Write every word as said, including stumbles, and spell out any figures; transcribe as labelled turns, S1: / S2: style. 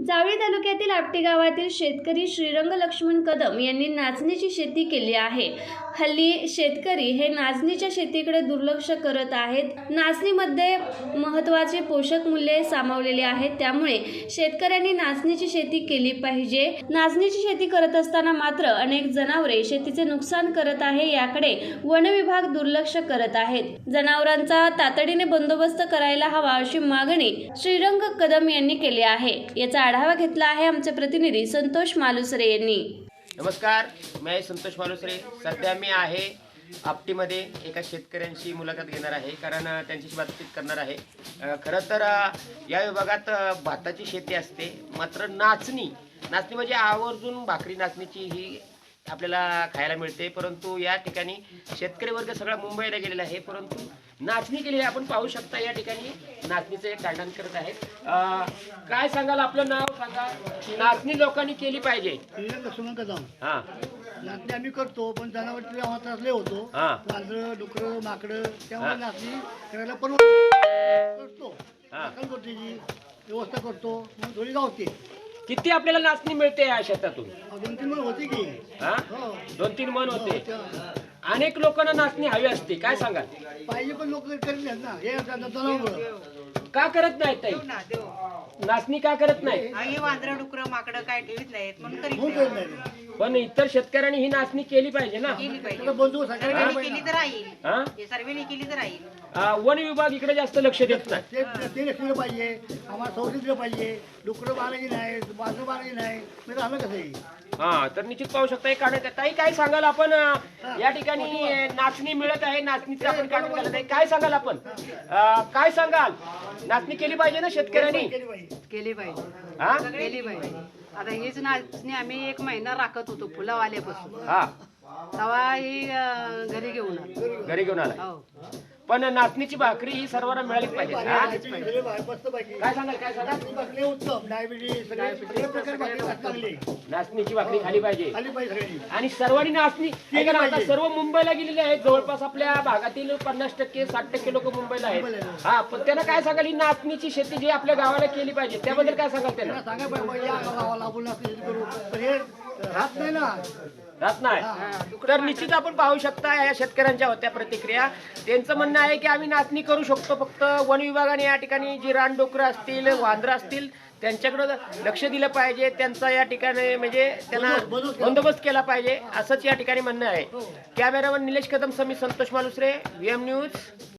S1: जावळी तालुक्यातील आपटी गावातील शेतकरी श्रीरंग लक्ष्मण कदम यांनी नाचणीची शेती केली आहे। हल्ली शेतकरी हे नाचणीच्या शेतीकडे दुर्लक्ष करत आहेत। नाचणीमध्ये महत्त्वाचे पोषक मूल्ये सामावलेली आहेत, त्यामुळे शेतकऱ्यांनी नाचणीची शेती केली पाहिजे। नाचणीची शेती करत असताना मात्र अनेक जनावरे शेतीचे नुकसान करत आहे, याकडे वन विभाग दुर्लक्ष करत आहेत। जनावरांचा तातडीने बंदोबस्त करायला हवा अशी मागणी श्रीरंग कदम यांनी केली आहे। याचा आढावा घेतला आहे आमचे प्रतिनिधी संतोष मालुसरे यांनी।
S2: नमस्कार, मी संतोष मालुसरे। सध्या मी आहे आपटीमध्ये एका शेतकऱ्यांची मुलाखत घेणार आहे, कारण त्यांच्याशी बातचीत करणार आहे। खरं तर या विभागात भाताची शेती असते, मात्र नाचणी नाचणी म्हणजे आवर्जून भाकरी नाचणीची ही आपल्याला खायला मिळते, परंतु या ठिकाणी शेतकरी वर्ग सगळा मुंबईला गेलेला आहे, परंतु नाचणी केलेली आपण पाहू शकता। या ठिकाणी नाचणीचं एक काढण करत आहेत। काय सांगाल, आपलं नाव सांगा। नाचणी लोकांनी केली पाहिजे।
S3: लक्ष्मण कदम।
S2: हा,
S3: नाचणी आम्ही करतो, पण जनावरचे त्रासले होतो। वांद्र डुकर माकडं, त्यामुळे नाचणी करायला परवडतो करतो। व्यवस्था करतो, मग थोडी गावते।
S2: किती आपल्याला नाचणी मिळते या शेतातून?
S3: दोन तीन मन होते की।
S2: हा, दोन तीन मन होते। अनेक लोकांना नाचणी हवी असते, काय सांगाल?
S3: पाहिजे, पण लोक करत नाहीत ना। हे जनावर
S2: का करत नाहीत ताई? नाचणी का करत नाही?
S4: वांद्र डुकर माकडं काय ठेवीत नाहीत म्हणून करीत
S3: म्हणून
S4: नाही.
S3: करत नाही।
S2: पण इतर शेतकऱ्यांनी ही नाचणी केली पाहिजे ना।
S4: केली पाहिजे,
S3: त्याला बंधू सगळ्यांना
S4: सर्वांनी केली तर राहील।
S2: हा?
S4: हे सर्वांनी केली तर राहील।
S2: आ, वन विभाग इकडे जास्त लक्ष देत नाही।
S3: ते ते लक्ष पाहिजे, आम्हाला सौर दिलं पाहिजे। डुकरं मारायची नाही, वांद्र मारायची नाही, म्हणजे आलं कसं आहे?
S2: हा, तर निश्चित पाहू शकता एक काढत ताई। काय सांगाल आपण? या ठिकाणी नाचणी मिळत आहे, नाचणीचं आपण काढून घालत आहे, काय सांगाल आपण? आ, काय सांगाल? नाचणी केली पाहिजे ना शेतकऱ्यांनी?
S3: केली पाहिजे।
S5: केली पाहिजे,
S2: हा,
S5: केली पाहिजे। आता हीच नाचणी आम्ही एक महिना राखत होतो फुलावाल्यापासून,
S2: हा,
S5: तेव्हा ही अं, घरी घेऊन आलो।
S2: घरी घेऊन आला।
S5: हो,
S2: पण नाचणीची भाकरी ही सर्वांना मिळालीच पाहिजे। हा?
S3: केली पाहिजे, मस्त पाहिजे।
S2: काय सांगाल, काय सांगाल?
S3: नाचणी भाकरी उत्तम, डायबिटीस सगळे सगळे प्रकार भाकरी चांगली
S2: नाचणीची भाकरी खाली पाहिजे,
S3: खाली पाहिजे सगळी।
S2: आणि सर्वांनी नाचणी ऐका ना, आता सर्व मुंबईला गेलेले आहेत। जवळपास आपल्या भागातील पन्नास टक्के साठ टक्के लोक मुंबईला आहेत। हा, पण त्यांना काय सांगाल, ही नाचणीची शेती जी आपल्या गावाला केली पाहिजे त्याबद्दल काय सांगाल त्यांना?
S3: सांगा पाहिजे, या गावाला आपण नाचणी शेती करू, पण हे राहत नाही ना।
S2: राहत नाही। तर निश्चित आपण पाहू शकता या शेतकऱ्यांच्या होत्या प्रतिक्रिया। त्यांचं म्हणणं आहे की आम्ही नाचणी करू शकतो, फक्त वन विभागाने या ठिकाणी जी रानडुकरं असतील, वांद्र असतील, त्यांच्याकडे लक्ष दिलं पाहिजे। त्यांचा या ठिकाणी म्हणजे त्यांना बंदोबस्त केला पाहिजे, असंच या ठिकाणी म्हणणं आहे। कॅमेरामन निलेश कदम समी Santosh Malusare, V M news.